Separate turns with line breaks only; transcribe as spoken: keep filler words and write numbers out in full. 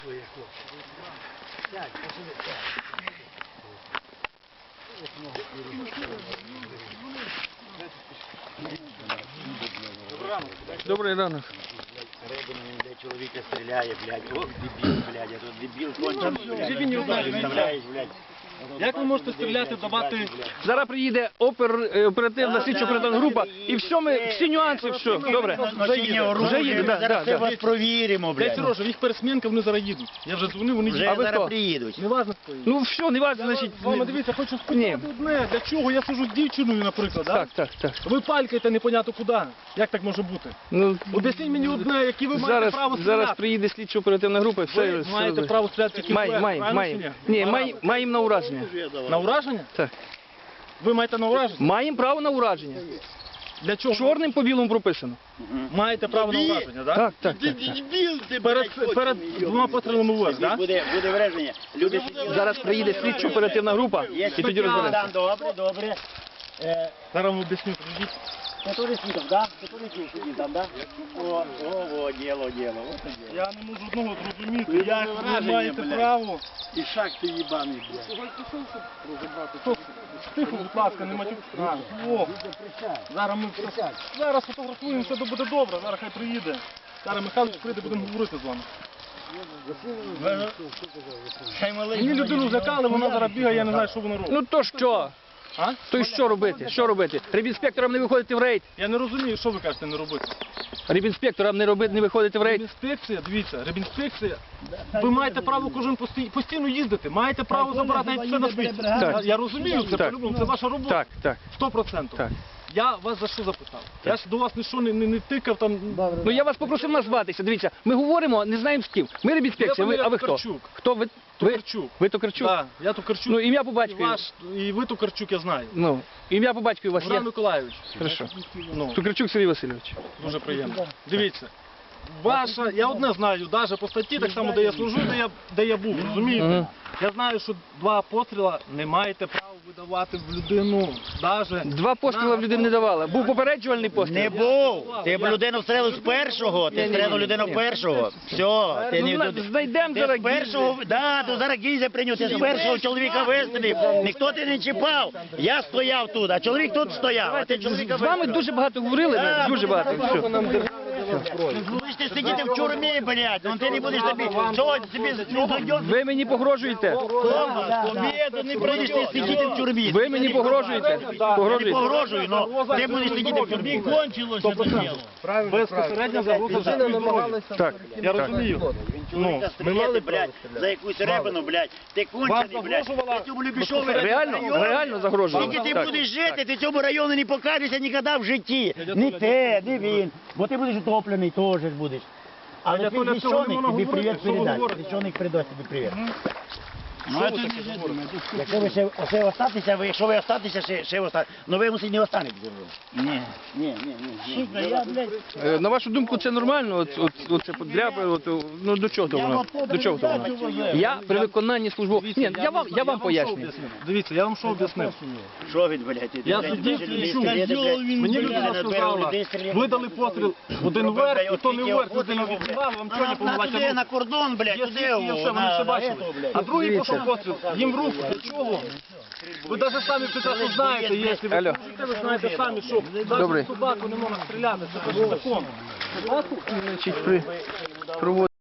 Добрий ранок.
Ребенем, блядь, чоловіка стріляє, блядь. Ох, дебіл, блядь, а тут дебіл кончений, блядь. Представляєш, блядь.
Як ви можете стріляти, давати...
Зараз приїде опер, е, оперативна слідчо-оперативна група і все, ми, всі нюанси, все, добре.
Вже їде,
Вже їде, да,
зараз
да,
все
да.
вас провіримо,
Дайте
блядь.
Сережа, їх пересмінка, вони зараз їдуть. Я вже дзвонив, вони
Вже
їдуть.
А ви
зараз
хто?
приїдуть.
Не важно, хто їде.
Ну все, не важно, значить...
Мама, дивіться, хочу
Ні.
спитати одне. Для чого? Я сижу з дівчиною, наприклад, да?
Так, так, так.
Ви палькаєте непонятно куди. Як так може бути?
Ну,
Об'ясніть мені одне, які ви маєте
зараз,
право стріляти.
зараз приїде слідчо-оперативна група і все...
Ви
все
маєте
буде.
право стріляти тільки
Маємо,
вперед,
маємо,
правильно
маємо.
чи ні?
Ні, маємо, маємо на ураження.
На ураження?
Так.
Ви маєте на ураження?
Маємо право на ураження.
Для чого?
Чорним по білому прописано.
Маєте право на ураження, так?
Так, так, так. так.
Дебіл ти,
Перед, перед двома пострілами вверх, так?
Буде, буде враження. Люди сиділи.
Зараз приїде слідчо-оперативна група
Є
і тоді розберемося.
Добре, добре. Е,
Зараз вам об'ясню, підійдіть.
Ти туди світом, да? Ти туди світом, там, да? О, о, о, діло, діло. От це діло.
Я не можу одного зрозуміти,
Ну,
як ви
враження,
маєте
блядь.
право.
І шаг ти їбаний, блядь.
Хто- Тихо, будь ласка, не матюк. А, О, зараз ми зараз фотографуємо, все буде добре, зараз хай приїде. Зараз Михайлович прийде, будемо говорити з вами.
Хай малий.
Мені людину злякали, вона зараз бігає, я не знаю, що вона робить.
Ну то що?
А?
То й що робити? Що робити? Рибінспекторам не виходити в рейд.
Я не розумію, що ви кажете не робити.
Рибінспекторам не робити, не виходити в рейд.
Рибінспекція, дивіться, рибінспекція, ви маєте право кожен пості- постійно їздити, маєте право забирати навіть все на світі.
Так.
Я, я розумію, це
Так.
по-любому, це ваша робота.
Так, так,
Сто процентів.
так.
Я вас за що запитав? Я ж до вас нічого не, не, не тикав там.
Ну я вас попросив назватися. Дивіться, ми говоримо, не знаємо з ким. Ми рибінспекція, ви, а ви хто?
Токарчук.
Хто ви? Ви,
Токарчук.
ви Токарчук?
Так, я Токарчук.
Ну ім'я по
І,
батькові.
ваш, і ви Токарчук, я знаю.
Ну, ім'я по батькові у вас є?
Богдан Миколайович.
Хорошо.
Ну,
Токарчук Сергій Васильович.
дуже приємно. Дивіться. Ваша, я одне знаю, навіть по статті, так само, де я служу, де я, де я був, розумієте?
Мгм.
Я знаю, що два постріла не маєте права видавати в людину, навіть...
Два постріли в людину не давали. Був попереджувальний постріл.
Не був. Ти б людину встрелив з першого. Ти встрелив людину першого. Все. Ти
Ну,
не
зна- знайдемо
Ти
зараз
з першого, да, то зараз гільза прийняв, ти з першого чоловіка вистрілив. Ніхто ти не чіпав. Я стояв тут, а чоловік тут стояв. А ти чоловіка
З вами
вистрілив.
дуже багато говорили,
Да,
дуже багато. Все.
Будеш ти сидіти в тюрмі, блядь, ну ти не будеш тобі, що собі не дойдеш.
Ви мені погрожуєте.
Побіду не будеш ти сидіти в тюрмі.
Ви мені погрожуєте.
Я не
Погрожуєте.
погрожую, але ти будеш сидіти в тюрмі. Кончилося це діло.
Безпосередньо загроза життю і здоров'ю.
Так,
Я
так.
розумію. Ну, ми
Стріляти,
мали
блядь, за якусь ребину, блядь. Ти кончений, блядь.
загрожувала
Ти цьому Любішові
Реально, реально загрожували.
Скільки ти
Так.
будеш жити, ти цьому району не покажешся ніколи в житті. Ні ти, ні він. Бо ти будеш утоплений, теж ж будеш. Але
Я
ти
то для цього не
священик,
можу
тобі
говорити,
привіт
що ви
передасть.
говорите.
Священик передасть тобі привіт.
Що ви таке говорите?
Якщо ви ще, ще остатися, ви, якщо ви остатися, ще, ще остатися. Ну ви мусить не останетеся. Ні, ні, ні, ні. Сука, я, блядь,
Е, На вашу думку, це нормально? От, от, от це подряпи, от, ну до чого то воно? До чого то воно? Я при виконанні службового... Ні, я вам, я вам поясню.
Дивіться, я вам що об'яснив?
що він, блядь? ти,
Я
блядь,
сидів
ти,
і
блядь,
чув.
ти, блядь,
Мені
блядь,
людина
блядь,
сказала,
людей стріляти.
видали постріл один вверх, і то не вверх, людина відбивала, вам чого не
На
помилати
туди, на кордон, блядь,
Є
туди,
свідки, є все,
о,
вони
на-
все
на
бачили.
этого, блядь.
А другий
Дивіться.
пішов постріл, їм в руку, для чого? Ви навіть самі прекрасно знаєте, якщо ви
Алло.
служите, ви знаєте самі, що
Добрий.
навіть собаку не можна стріляти, це закон.
Значить, при провод-